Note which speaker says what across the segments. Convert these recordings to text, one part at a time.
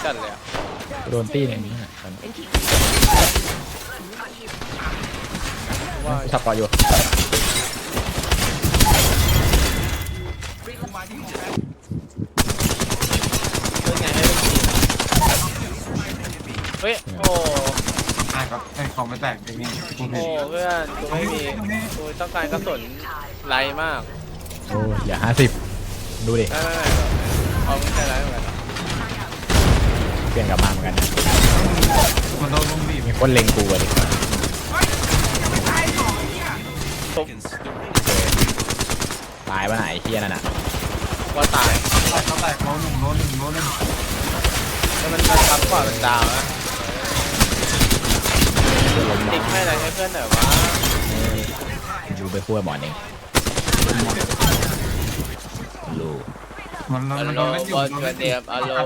Speaker 1: จัดเลยอะ
Speaker 2: โดนตี้ในนี้นะว่าสับปออยู่
Speaker 1: เฮ้ยโอ้
Speaker 3: ใช่ครับไอ้ของไม่แตกอย่างนี้กูเห็น
Speaker 1: โอ้เพื่อนกูไม่มีกูต้องการกระสุนไรมาก
Speaker 2: โอ้อย่า50ดูดิ
Speaker 1: ไม่เอาไม่ใช่ไรเหมือนกัน
Speaker 2: เปลี่ยนกลับมาเหมือนกันนะ
Speaker 3: มันโดนลุมบีบ
Speaker 2: มีคนเล็งกูอะดิตายป่ะไหนเฮียนั่นน่ะ
Speaker 1: ว่าตาย
Speaker 3: เขาแตกโลหนึ่ง
Speaker 1: แล้วมันทับกว่าเป็นดาวนะติ๊กให้อะไรให้เพื่อนหน่อยวะ
Speaker 2: ดูไปคั่วหมอนเองลู
Speaker 3: มันโดนเล่นอยู่
Speaker 1: บอลเดียบอัลโล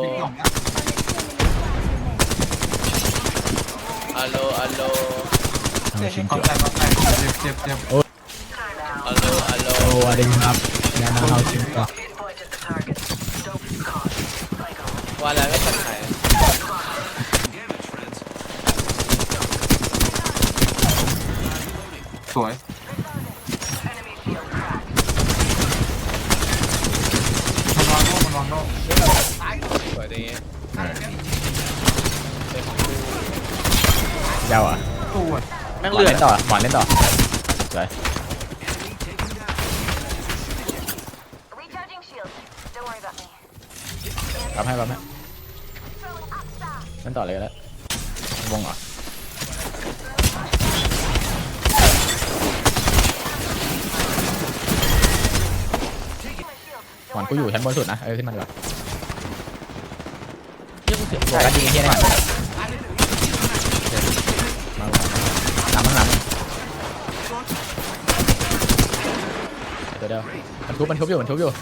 Speaker 3: เขาแตกเจ็บ
Speaker 1: อัลโล
Speaker 2: โอ้อะไรครับยานาเฮาชิงก่อน
Speaker 1: ว่าแล้วไม่ทันไหน
Speaker 3: สวยมันวางโล
Speaker 1: สวยดี
Speaker 2: เจ้าอ่ะ
Speaker 1: แม่งเลือด
Speaker 2: ต่อหมอนเล่นต่อสวยรับให้เล่นต่อเลยก็แล้ววงเหรอหมอนกูอยู่ชั้นบนสุดนะขึ้นมาดีกว่าตัวกันยิงเฮียแน่หลังเดี๋ยวมันทุบอยู่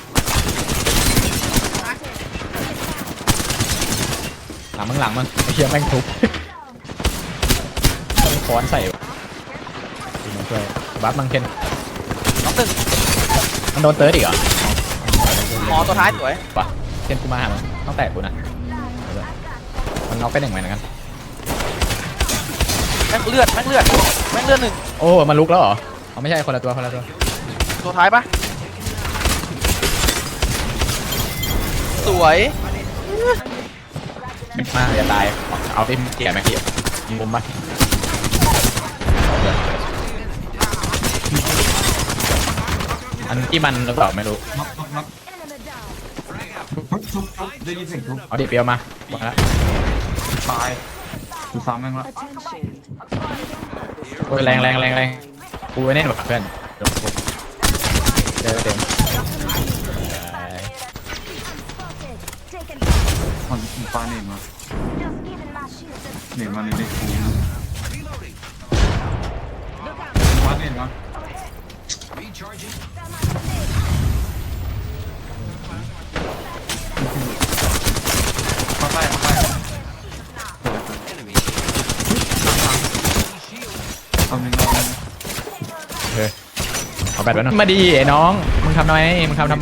Speaker 2: หลังมันเฮียแม่งทุบต้องค้อนใส่ดูมันช่วยบัฟมังเคน
Speaker 1: น้องตึง
Speaker 2: มันโดนเติร์ดอีกเหรอ
Speaker 1: หมอตัวท้ายสวย
Speaker 2: ปะเคนกูมาหามันต้องแตกกูนะมันน็อกไป1เหมือนกัน
Speaker 1: แม่งเลือดหนึ่ง
Speaker 2: โอ้มันลุกแล้วเหรอไม่ใช่คนละตัว
Speaker 1: ตัวท้ายปะสวย
Speaker 2: มาอย่าตายเอาที่เกี่ยไหมพี่ยิงมุมปะอันที่มันหรือเปล่าไม่รู้
Speaker 3: ทุบได้ยินเสียงทุบ
Speaker 2: เอาดิเปียวมาบอกแล้ว
Speaker 3: ตายกูซ้ำแม่งละ
Speaker 2: โอ้ยแรงกูไว้แน่นกว่าเพื่อนเต็ม
Speaker 3: มันปาเน็ตมาเน็ตกูปาเน็ตมามาไปเอาหนึ่ง
Speaker 2: เอาแบตไว้หน่อยมาดีไอ้น้องมึงทำทำไม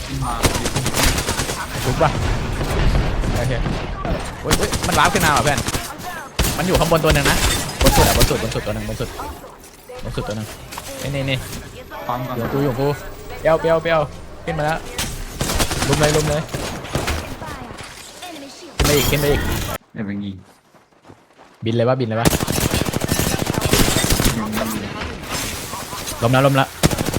Speaker 2: ทุบป่ะโอเคโอ้ยมันว้าวขึ้นมาเหรอเพื่อนมันอยู่ข้างบนตัวหนึ่งนะบนสุดตัวหนึ่งนี่อยู่กูเปียวขึ้นมาแล้วลุมเลยขึ้นไปอีก
Speaker 3: เดี๋ยวไปยิง
Speaker 2: บินเลยวะล้มละ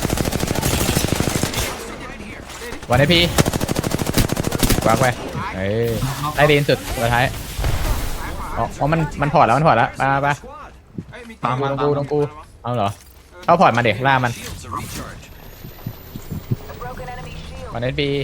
Speaker 2: วันนี้พี่กวางไปได้ดีสุดสุดท้ายอ๋อมันพอร์ตแล้วไป
Speaker 3: ตามมา
Speaker 2: ตรงกูเอาเหรอเข้าพอร์ตมาเด็กล่ามันวันนี้พี่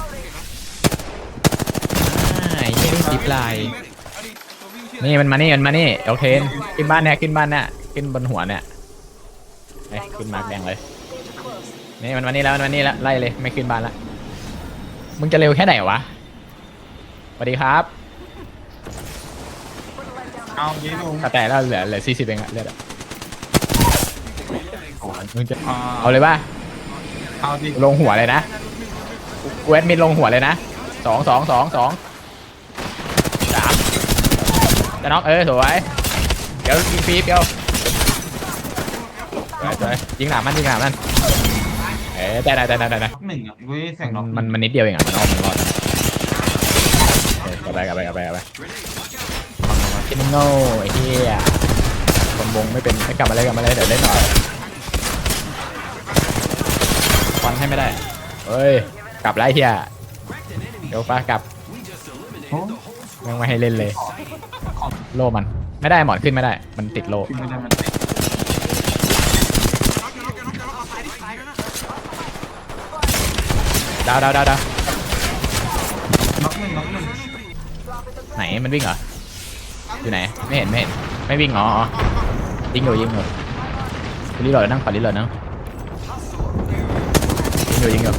Speaker 2: ยี่ได้ซิปไลน์นี่มันมานี่โอเคขึ้นบ้านเนี่ยขึ้นบนหัวเนี่ยขึ้นมาแดงเลยนี่มันมานี่แล้วไล่เลยไม่ขึ้นบ้านละมึงจะเร็วแค่ไหนวะสวัสดีครับ
Speaker 3: เอาเยอะลง
Speaker 2: แต่แล้วเหลือ40เองอะเลือดอะมึงจะเอาเลยป่ะ
Speaker 3: เอาดิ
Speaker 2: ลงหัวเลยนะกูแอดมินลงหัวเลยนะ2 3 จะน็อกสวยเดี๋ยวยิงปี๊บเดี๋ยวสวยยิงหนามมันได้
Speaker 3: หนึ่งอ่ะเว้ยแสงน็อก
Speaker 2: มันนิดเดียวเองมันรอดกลับไปคิดมันโง่ไอ้เหี้ยคนวงไม่เป็นไม่กลับมาเลยเดี๋ยวเล่นหน่อยฟันให้ไม่ได้เฮ้ยกลับแล้วไอ้เหี้ยเดี๋ยวป้ากลับ
Speaker 3: โอ้
Speaker 2: ยังไม่ให้เล่นเลยโล่มันไม่ได้หมอนขึ้นไม่ได้มันติดโล่
Speaker 3: ขึ้นไม่ได้มันติด
Speaker 2: ดาว
Speaker 3: น็อกหนึ่ง
Speaker 2: ไหนมันวิ่งเหรออยู่ไหนไม่เห็นไม่วิ่งอ๋อยิงอยู่รีโหลดนั่งขอรีโหลดนั่งยิงอยู่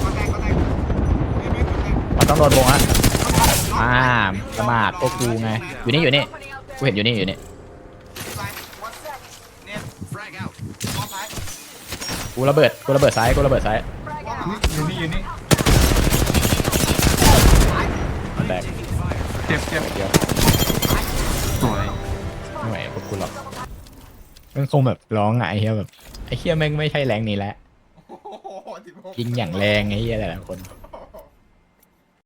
Speaker 2: มันต้องโดนวงอ่ะประมาทพวกกูไงอยู่นี่กูเห็นอยู่นี่กูระเบิดซ้าย
Speaker 3: อยู่นี่
Speaker 2: แตก
Speaker 3: เจ็บ
Speaker 2: เดียว
Speaker 3: สวย
Speaker 2: ไม่ไหวพวกกูหรอกมันคงแบบร้องไงเฮียแบบไอ้เฮียแม่งไม่ใช่แรงนี้แล้วยิงอย่างแรงไอ้เฮียหลายคน